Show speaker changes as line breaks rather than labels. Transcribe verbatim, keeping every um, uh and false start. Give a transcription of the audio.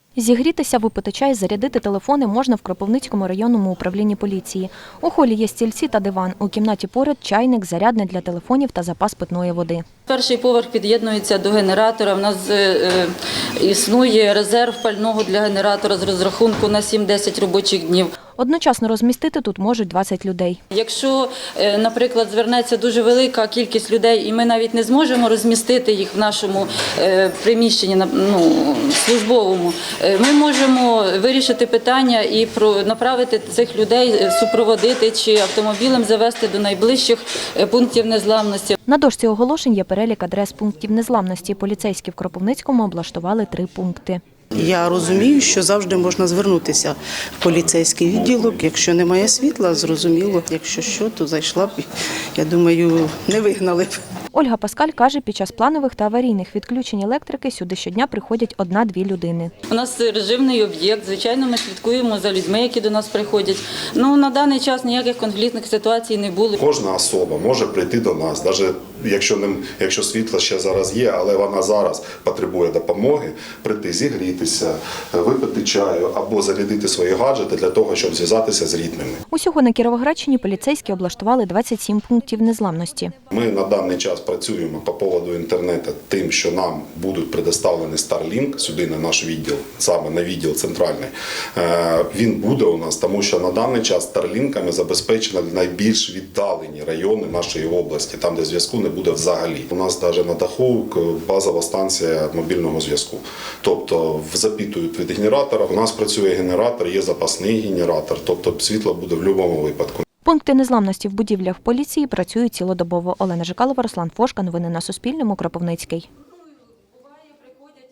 Зігрітися, випити чай, зарядити телефони можна в Кропивницькому районному управлінні поліції. У холі є стільці та диван. У кімнаті поряд чайник, зарядне для телефонів та запас питної води.
Перший поверх під'єднується до генератора. У нас е, існує резерв пального для генератора з розрахунку на сім-десять робочих днів.
Одночасно розмістити тут можуть двадцять людей.
Якщо, наприклад, звернеться дуже велика кількість людей, і ми навіть не зможемо розмістити їх в нашому приміщенні, ну, службовому, ми можемо вирішити питання і направити цих людей, супроводити чи автомобілем завести до найближчих пунктів незламності.
На дошці оголошень є перелік адрес пунктів незламності. Поліцейські в Кропивницькому облаштували три пункти.
Я розумію, що завжди можна звернутися в поліцейський відділок. Якщо немає світла, зрозуміло. Якщо що, то зайшла б, я думаю, не вигнали б.
Ольга Паскаль каже, під час планових та аварійних відключень електрики сюди щодня приходять одна-дві людини.
У нас режимний об'єкт, звичайно, ми слідкуємо за людьми, які до нас приходять. Ну, на даний час ніяких конфліктних ситуацій не було.
Кожна особа може прийти до нас, навіть якщо, не, якщо світло ще зараз є, але вона зараз потребує допомоги, прийти зігрітися, випити чаю або зарядити свої гаджети для того, щоб зв'язатися з рідними.
Усього на Кіровоградщині поліцейські облаштували двадцять сім пунктів незламності.
Ми на даний час працюємо по поводу інтернету тим, що нам будуть предоставлені Starlink сюди на наш відділ, саме на відділ центральний. Він буде у нас, тому що на даний час Starlinkами забезпечено найбільш віддалені райони нашої області, там, де зв'язку не буде взагалі. У нас навіть на даху базова станція мобільного зв'язку. Тобто запитують від генератора, у нас працює генератор, є запасний генератор, тобто світло буде в будь-якому випадку.
Пункти незламності в будівлях поліції працюють цілодобово. Олена Жикалова, Руслан Фошка. Новини на Суспільному. Кропивницький.